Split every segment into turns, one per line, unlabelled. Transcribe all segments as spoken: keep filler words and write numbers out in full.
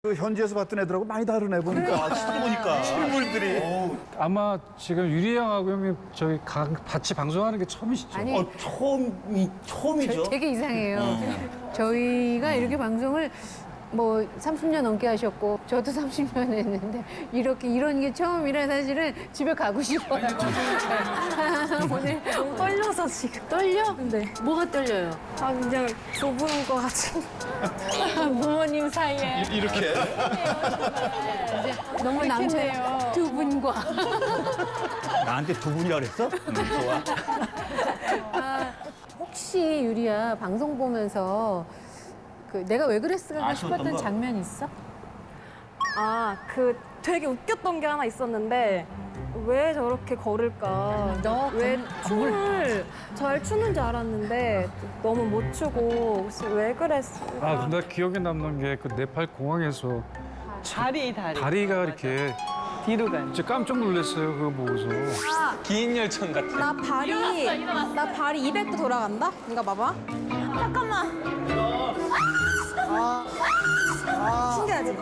그 현지에서 봤던 애들하고 많이 다르네 보니까.
아, 실제 보니까.
실물들이. 어,
아마 지금 유리 형하고 형님 저희 가, 같이 방송하는 게 처음이시죠?
아니,
어, 처음이, 처음이죠.
되게 이상해요. 저희가 이렇게 방송을 뭐 삼십 년 넘게 하셨고 저도 삼십 년 했는데 이렇게 이런 게 처음이라 사실은 집에 가고 싶어요. 오늘
좀 떨려서 지금.
떨려?
네.
뭐가 떨려요?
아, 그냥 좁은 거 같은. 부모님 사이에.
이렇게.
너무 남자예요. 두 분과.
나한테 두 분이라 그랬어? 음, 좋아.
아, 혹시 유리야 방송 보면서 그 내가 왜 그랬을까
아쉬웠던
싶었던
거?
장면 있어?
아, 그 되게 웃겼던 게 하나 있었는데 왜 저렇게 걸을까?
너
왜
건-
춤을 잘 추는 줄 알았는데 너무 못 추고 혹시 왜 그랬을까?
아, 나 기억에 남는 게 그 네팔 공항에서
다리 다리
다리가 이렇게
뒤로 가는
진짜 깜짝 놀랐어요. 그거 보고서.
긴 열천 같아.
나 발이 나 발이 이백 도 돌아간다? 이거 봐봐. 잠깐만. 아, 신기하지?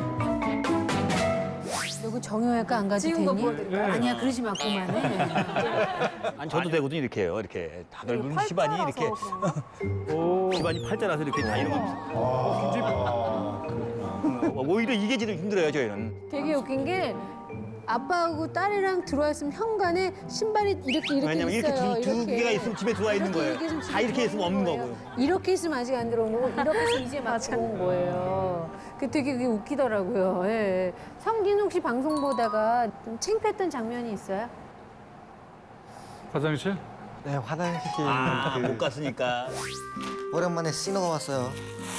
여기 정형외과 안 가도
지금 거
되니?
보여드릴까요?
아니야 그러지 마 그만해.
아니, 저도 되거든요, 이렇게 해요. 이렇게. 다들
팔자라서
집안이 이렇게.
그런가?
오,
집안이 팔자라서 이렇게 다 이런 거. 어, 오히려 이게 지금 힘들어요, 저희는.
되게 웃긴 게 아빠하고 딸이랑 들어와 있으면 현관에 신발이 이렇게 이렇게
왜냐면 이렇게
있어요.
두, 두 개가 있으면 집에 들어와 있는 거예요.
이렇게 있으면 집에
다 이렇게 있으면 없는
들어온
거고요.
이렇게 있으면 아직 안 들어온 거고 이렇게 있으면 이제 막 들어온 거예요. 그 되게 그게 웃기더라고요. 예. 성진 혹시 방송 보다가 좀 창피했던 장면이 있어요?
화장실?
네, 화장실.
아,
그
못 갔으니까.
오랜만에 신호가 왔어요.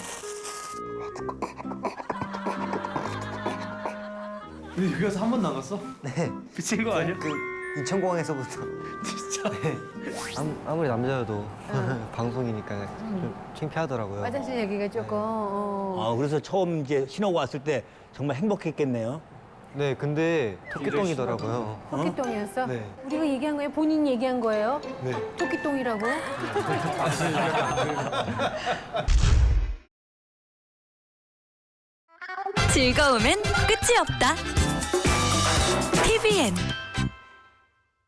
근데 여기 가서 한 번도 안 갔어?
네.
미친 거 아니야?
그 인천공항에서부터.
진짜?
네. 아무, 아무리 남자여도 방송이니까 좀 창피하더라고요.
화장실 얘기가 조금. 어.
아, 그래서 처음 이제 신호가 왔을 때 정말 행복했겠네요.
네, 근데 토끼똥이더라고요.
토끼똥이었어?
네.
우리가 얘기한 거예요? 본인 얘기한 거예요?
네.
토끼똥이라고?
즐거움엔 끝이 없다. 티비엔